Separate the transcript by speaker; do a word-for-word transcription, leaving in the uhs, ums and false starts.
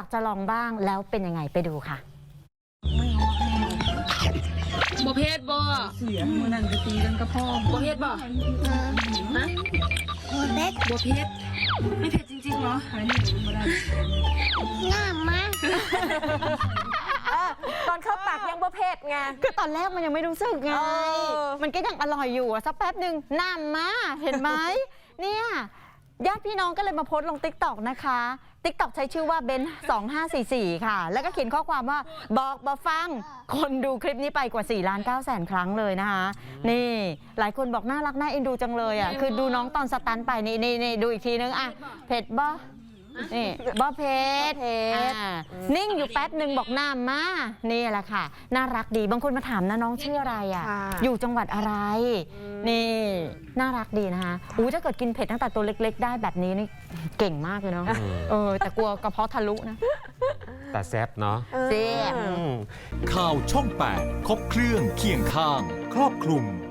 Speaker 1: ากจะลองบ้างแล้วเป็นยังไงไปดูค่ะ
Speaker 2: บ่เพศบ่
Speaker 3: เสียมือนั่นไปตีกันกับพ่อ
Speaker 2: บ่เพศบ่ฮะ
Speaker 4: โบเบ็ด
Speaker 2: บ่เพศไม่เผ็ดจริงๆเหรอ
Speaker 3: หายนี่มาได้
Speaker 4: งามมาก
Speaker 5: ตอนเข้าปากยังบ่เผ็ดไง
Speaker 1: คือตอนแรกมันยังไม่รู้สึกไง
Speaker 5: เออ
Speaker 1: มันก็ยังอร่อยอยู่อะสักแป๊บหนึ่งน้ำมาเห็นไหม เนี่ยญาติพี่น้องก็เลยมาโพสต์ลง ติ๊กต็อก นะคะ ติ๊กต็อก ใช้ชื่อว่าเบนสองห้าสี่สี่ค่ะ แล้วก็เขียนข้อความว่าบอกบอฟัง คนดูคลิปนี้ไปกว่าสี่ล้านเก้าแสนครั้งเลยนะคะ นี่หลายคนบอกน่ารักน่าเอ็นดูจังเลยอ่ะ คือดูน้องตอนสตันไปนี่นี่นี่ดูอีกทีนึงอ่ะเผ็ดบ่นี่บ่เผ็ด
Speaker 5: เผ็ด
Speaker 1: อ่านิ่งอยู่แป๊บหนึ่งบอกน้ำมานี่แหละค่ะ น่ารักดีบางคนมาถามนะน้องชื่ออะไรอ่ะ
Speaker 5: ค่ะ
Speaker 1: อยู่จังหวัดอะไร นี่น่ารักดีนะคะอู้ถ้าเกิดกินเผ็ดตั้งแต่ตัวเล็กๆ ได้แบบนี้นี่เก่งมากเลยเนาะเออแต่กลัวกระเพาะทะลุนะ
Speaker 6: แต่แซ่บเนาะ
Speaker 1: เจ๊
Speaker 6: อืม
Speaker 7: ข่าวช่องแปดครบเครื่องเคียงข้าง ครอบคลุม